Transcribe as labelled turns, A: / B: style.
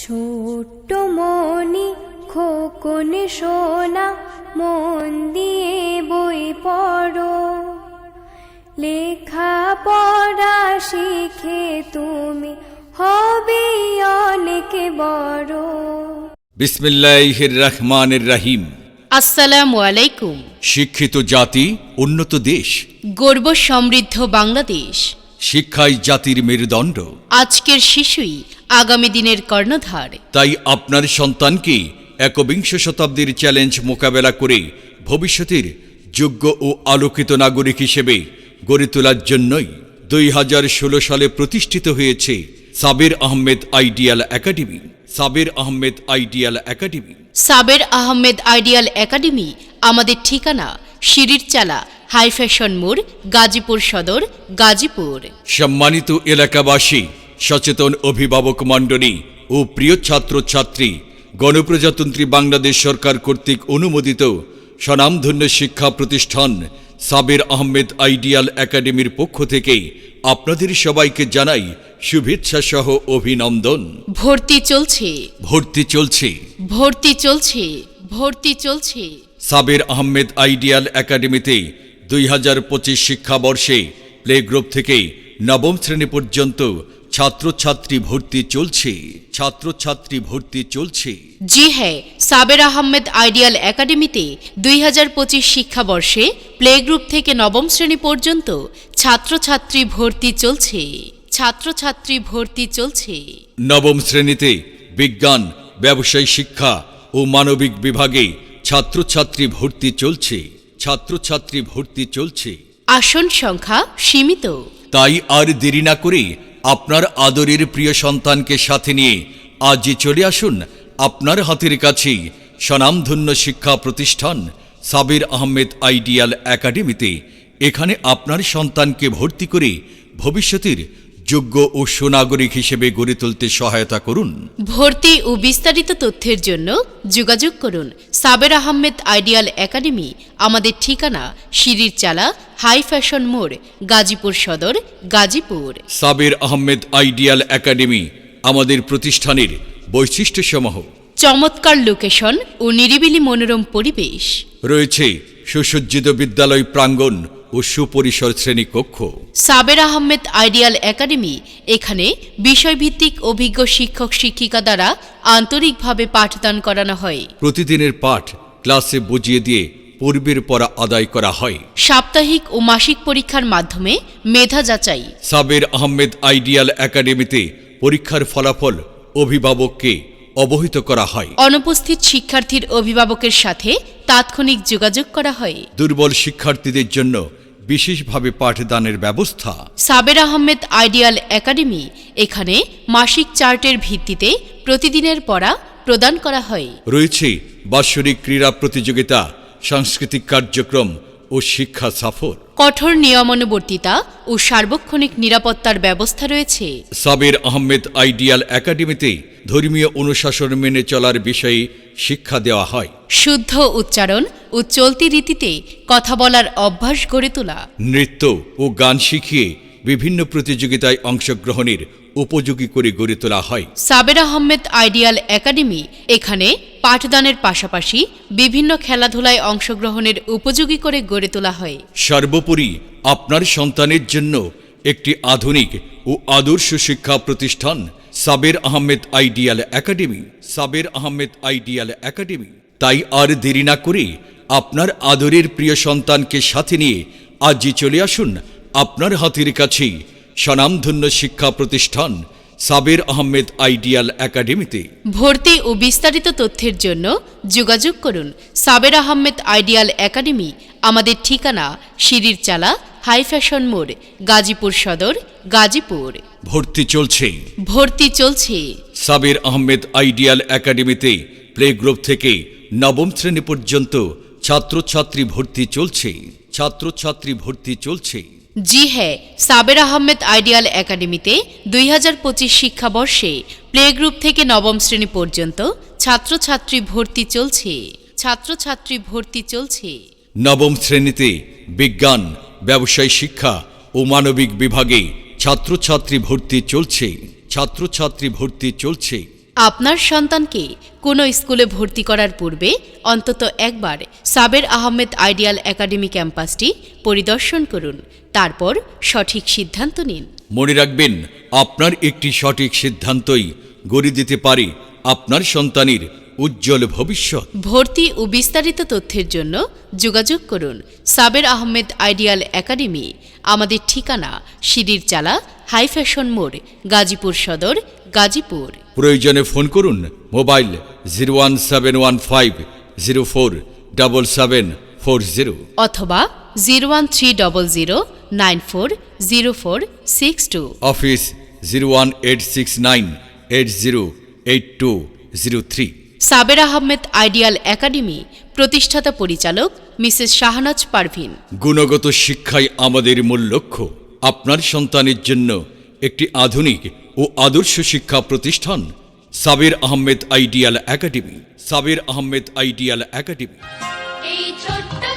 A: ছোট্ট মনি খোকন সোনা মন দিয়ে বই পড়ো, লেখা পড়া শিখে তুমি হবে অনেক বড়।
B: বিসমিল্লাহির রহমানির রহিম।
C: আসসালামু আলাইকুম।
B: শিক্ষিত জাতি উন্নত দেশ,
C: গর্ব সমৃদ্ধ বাংলাদেশ।
B: শিক্ষাই জাতির মেরুদণ্ড।
C: আজকের শিশুই আগামী দিনের কর্ণধার।
B: তাই আপনার সন্তানকে একবিংশ শতাব্দীর চ্যালেঞ্জ মোকাবেলা করে ভবিষ্যতের যোগ্য ও আলোকিত নাগরিক হিসেবে গড়ে তোলার জন্যই 2016 সালে প্রতিষ্ঠিত হয়েছে Saber Ahmed ideal academy. Saber Ahmed ideal academy.
C: Saber Ahmed ideal academy আমাদের ঠিকানা সিঁড়ির চালা, হাই ফ্যাশন মোড়, গাজীপুর সদর, গাজীপুর।
B: সম্মানিত এলাকাবাসী, সচেতন অভিভাবক মণ্ডলী ও প্রিয় ছাত্রছাত্রী, গণপ্রজাতন্ত্রী বাংলাদেশ সরকার কর্তৃক অনুমোদিত স্বনামধন্য শিক্ষা প্রতিষ্ঠান সাবের আহমেদ আইডিয়াল একাডেমির পক্ষ থেকে আপনাদের সবাইকে জানাই শুভেচ্ছা সহ অভিনন্দন।
C: ভর্তি চলছে,
B: ভর্তি চলছে,
C: ভর্তি চলছে, ভর্তি চলছে।
B: সাবের আহমেদ আইডিয়াল একাডেমিতে 2025 শিক্ষাবর্ষে প্লে গ্রুপ থেকে নবম শ্রেণী পর্যন্ত ছাত্রছাত্রী ভর্তি চলছে। ছাত্রছাত্রী ভর্তি চলছে।
C: জি হ্যাঁ, সাবের আহমেদ আইডিয়াল একাডেমিতে 2025 শিক্ষাবর্ষে প্লে গ্রুপ থেকে নবম শ্রেণী পর্যন্ত ছাত্রছাত্রী ভর্তি চলছে। ছাত্রছাত্রী ভর্তি চলছে।
B: নবম শ্রেণীতে বিজ্ঞান, ব্যবসায় শিক্ষা ও মানবিক বিভাগে ছাত্রছাত্রী ভর্তি চলছে। ছাত্রছাত্রী ভর্তি চলছে।
C: আসন সংখ্যা সীমিত।
B: তাই আর দেরি না করে আপনার আদরের প্রিয় সন্তানকে সাথে নিয়ে আজই চলে আসুন আপনার হাতের কাছেই স্বনামধন্য শিক্ষা প্রতিষ্ঠান সাবের আহমেদ আইডিয়াল একাডেমিতে। এখানে আপনার সন্তানকে ভর্তি করে ভবিষ্যতের যোগ্য ও সুনাগরিক হিসেবে গড়ে তুলতে সহায়তা করুন।
C: ভর্তি ও বিস্তারিত তথ্যের জন্য যোগাযোগ করুন সাবের আহমেদ আইডিয়াল একাডেমি। আমাদের ঠিকানা সিঁড়ির চালা, হাই ফ্যাশন মোড়, গাজীপুর সদর, গাজীপুর।
B: সাবের আহমেদ আইডিয়াল একাডেমি আমাদের প্রতিষ্ঠানের বৈশিষ্ট্যসমূহ:
C: চমৎকার লোকেশন ও নিরিবিলি মনোরম পরিবেশ।
B: রয়েছে সুসজ্জিত বিদ্যালয় প্রাঙ্গণ ও সুপরিসর শ্রেণীকক্ষ।
C: সাবের আহমেদ আইডিয়াল একাডেমি, এখানে বিষয়ভিত্তিক অভিজ্ঞ শিক্ষক শিক্ষিকা দ্বারা আন্তরিকভাবে পাঠদান করানো হয়।
B: প্রতিদিনের পাঠ ক্লাসে বুঝিয়ে দিয়ে পূর্বের পড়া আদায় করা হয়।
C: সাপ্তাহিক ও মাসিক পরীক্ষার মাধ্যমে মেধা যাচাই।
B: সাবের আহমেদ আইডিয়াল একাডেমিতে পরীক্ষার ফলাফল অভিভাবককে অবহিত করা হয়।
C: অনুপস্থিত শিক্ষার্থীর অভিভাবকের সাথে তাৎক্ষণিক যোগাযোগ করা হয়।
B: দুর্বল শিক্ষার্থীদের জন্য বিশেষভাবে পাঠদানের ব্যবস্থা।
C: সাবের আহমেদ আইডিয়াল একাডেমি, এখানে মাসিক চার্টের ভিত্তিতে প্রতিদিনের পড়া প্রদান করা হয়।
B: রয়েছে বাৎসরিক ক্রীড়া প্রতিযোগিতা, সাংস্কৃতিক কার্যক্রম ও শিক্ষা সফর।
C: কঠোর নিয়মানুবর্তিতা ও সার্বক্ষণিক নিরাপত্তার ব্যবস্থা রয়েছে।
B: সাবের আহমেদ আইডিয়াল একাডেমিতে ধর্মীয় অনুশাসন মেনে চলার বিষয়ে শিক্ষা দেওয়া হয়।
C: শুদ্ধ উচ্চারণ ও চলতি রীতিতে কথা বলার অভ্যাস গড়ে তোলা।
B: নৃত্য ও গান শিখিয়ে বিভিন্ন প্রতিযোগিতায় অংশগ্রহণের উপযোগী করে গড়ে তোলা হয়।
C: সাবের আহমেদ আইডিয়াল একাডেমি, এখানে পাঠদানের পাশাপাশি বিভিন্ন খেলাধুলায় অংশগ্রহণের উপযোগী করে গড়ে তোলা হয়।
B: সর্বোপরি আপনার সন্তানের জন্য একটি আধুনিক ও আদর্শ শিক্ষা প্রতিষ্ঠান Saber Ahmed ideal academy. Saber Ahmed ideal academy. তাই আর দেরি না করে আপনার আদরের প্রিয় সন্তানকে সাথে নিয়ে আজই চলে আসুন আপনার হাতের কাছেই স্বনামধন্য শিক্ষা প্রতিষ্ঠান সাবের আহমেদ আইডিয়াল একাডেমিতে।
C: ভর্তি ও বিস্তারিত তথ্যের জন্য যোগাযোগ করুন সাবের আহমেদ আইডিয়াল একাডেমি। আমাদের ঠিকানা সিঁড়ির চালা, হাই ফ্যাশন মোড়, গাজীপুর সদর, গাজীপুর।
B: ভর্তি চলছে,
C: ভর্তি চলছে।
B: সাবের আহমেদ আইডিয়াল একাডেমিতে প্লে গ্রুপ থেকে নবম শ্রেণী পর্যন্ত ছাত্রছাত্রী ভর্তি চলছে। ছাত্রছাত্রী ভর্তি চলছে।
C: জি হ্যাঁ, সাবের আহমেদ আইডিয়াল একাডেমিতে 2025 শিক্ষাবর্ষে প্লে গ্রুপ থেকে নবম শ্রেণী পর্যন্ত ছাত্রছাত্রী ভর্তি চলছে। ছাত্রছাত্রী ভর্তি চলছে।
B: নবম শ্রেণীতে বিজ্ঞান, ব্যবসায় শিক্ষা ও মানবিক বিভাগে ছাত্রছাত্রী ভর্তি চলছে। ছাত্রছাত্রী ভর্তি চলছে।
C: আপনার সন্তানকে কোনো স্কুলে ভর্তি করার পূর্বে অন্তত একবার সাবের আহমেদ আইডিয়াল একাডেমি ক্যাম্পাসটি পরিদর্শন করুন, তারপর সঠিক সিদ্ধান্ত নিন।
B: মনে রাখবেন, আপনার একটি সঠিক সিদ্ধান্তই গড়ে দিতে পারে আপনার সন্তানের উজ্জ্বল ভবিষ্যৎ।
C: ভর্তি ও বিস্তারিত তথ্যের জন্য যোগাযোগ করুন সাবের আহমেদ আইডিয়াল একাডেমি। আমাদের ঠিকানা সিঁড়ির চালা, হাই ফ্যাশন মোড়, গাজীপুর সদর, গাজীপুর।
B: প্রয়োজনে ফোন করুন মোবাইল 01715047740
C: অথবা 01300940462।
B: Office 01869808203।
C: Saber Ahmed ideal academy, প্রতিষ্ঠাতা পরিচালক মিসেস শাহনাজ পারভিন।
B: গুণগত শিক্ষাই আমাদের মূল লক্ষ্য। আপনার সন্তানের জন্য একটি আধুনিক ও আদর্শ শিক্ষা প্রতিষ্ঠান Saber Ahmed ideal academy. Saber Ahmed ideal academy.
A: এই ছোট্ট